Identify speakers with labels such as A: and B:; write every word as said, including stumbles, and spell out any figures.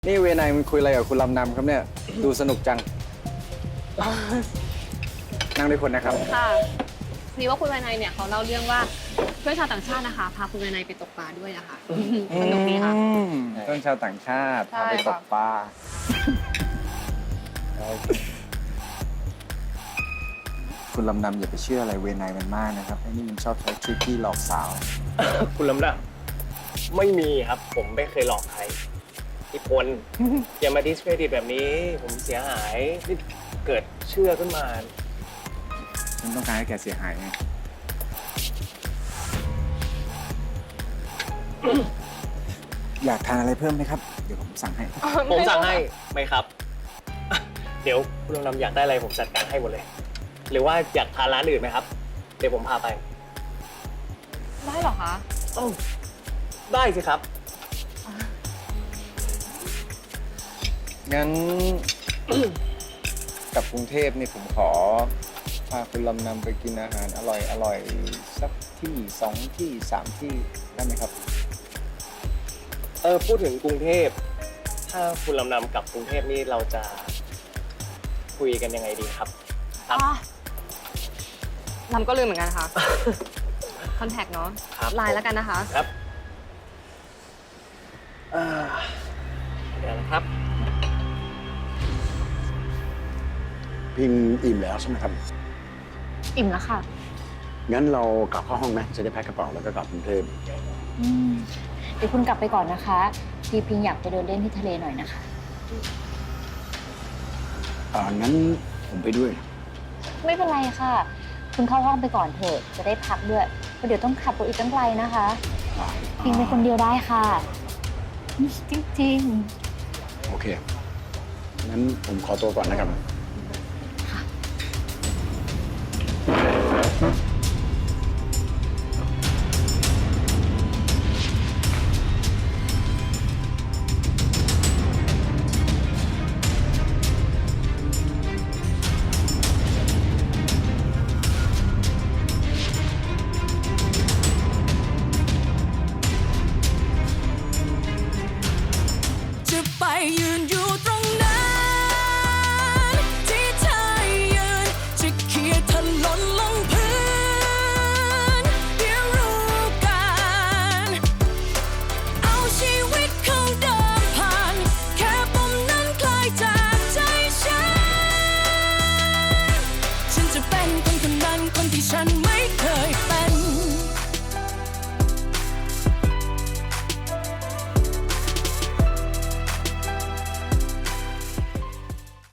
A: นี่เวนายมันคุยอะไรกับคุณลำนำครับเนี่ยดูสนุกจัง นั่งด้วยคนนะครับ
B: ค่ะนี่ว่าคุณวายนายเนี่ยเขาเล่าเรื่องว่าเพื่อนชาวต่างชาตินะคะพาคุณวายนายไปตกปลาด้วยอะค่ะสนุกดีค่ะ
A: อืมเพื่อนชาวต่างชาติ
B: ใช่
A: พาไปตกปลาคุณลำนำอย่าไปเชื่ออะไรเวนายมันมากนะครับไอ้นี่มันชอบใช้ทริคที่หลอกสาว
C: คุณลำนะไม่มีครับ ผมไม่เคยหลอกใครพี่พล อย่ามาดิสเครดิตแบบนี้ ผมเสียหายนี่เกิดเชื่อขึ้นมา
A: ฉันต้องการให้แกเสียหายไง อยากทานอะไรเพิ่มไหมครับ เดี๋ยวผมสั่งให้
C: ผมสั่งให้ไหมครับ เดี๋ยวคุณลำอยากได้อะไรผมจัดการให้หมดเลย หรือว่าอยากทานร้านอื่นไหมครับ เดี๋ยวผมพาไป
B: ได้เหรอคะ
C: เอ้าได้สิครับ
A: งั้น กับกรุงเทพนี่ผมขอพาคุณลำนำไปกินอาหารอร่อยอร่อยสักที่สองที่สามที่ได้ไหมครับ
C: เออพูดถึงกรุงเทพ ถ้าคุณลำนำกลับกรุงเทพนี่เราจะคุยกันยังไงดีครับ ครับ
B: อ๋อลำก็ลืมเหมือนกันค่ะ คอนแทคเนาะ
C: ครับ
B: ไลน์แล้วกันนะคะ
C: ครับอ่าเดี๋ยวนะครับ
D: พิมพ์อิ่มแล้วใช่ไหมครับ
B: อิ่มแล้วค่ะ
D: งั้นเรากลับเข้าห้องไหมจะได้แพ็คกระเป๋าแล้วก็กลับกรุงเทพ
E: อืมเดี๋ยวคุณกลับไปก่อนนะคะ พี่พิงอยากไปเดินเล่นที่ทะเลหน่อยนะคะ
D: อ่างั้นผมไปด้วย
E: ไม่เป็นไรค่ะ คุณเข้าห้องไปก่อนเถอะ จะได้พักด้วยเพราะเดี๋ยวต้องขับรถอีกตั้งไกลนะคะ
D: อ่า
E: พิงเป็นคนเดียวได้ค่ะ จริง
D: โอเค งั้นผมขอตัวก่อนนะครับ
F: จะไปยืน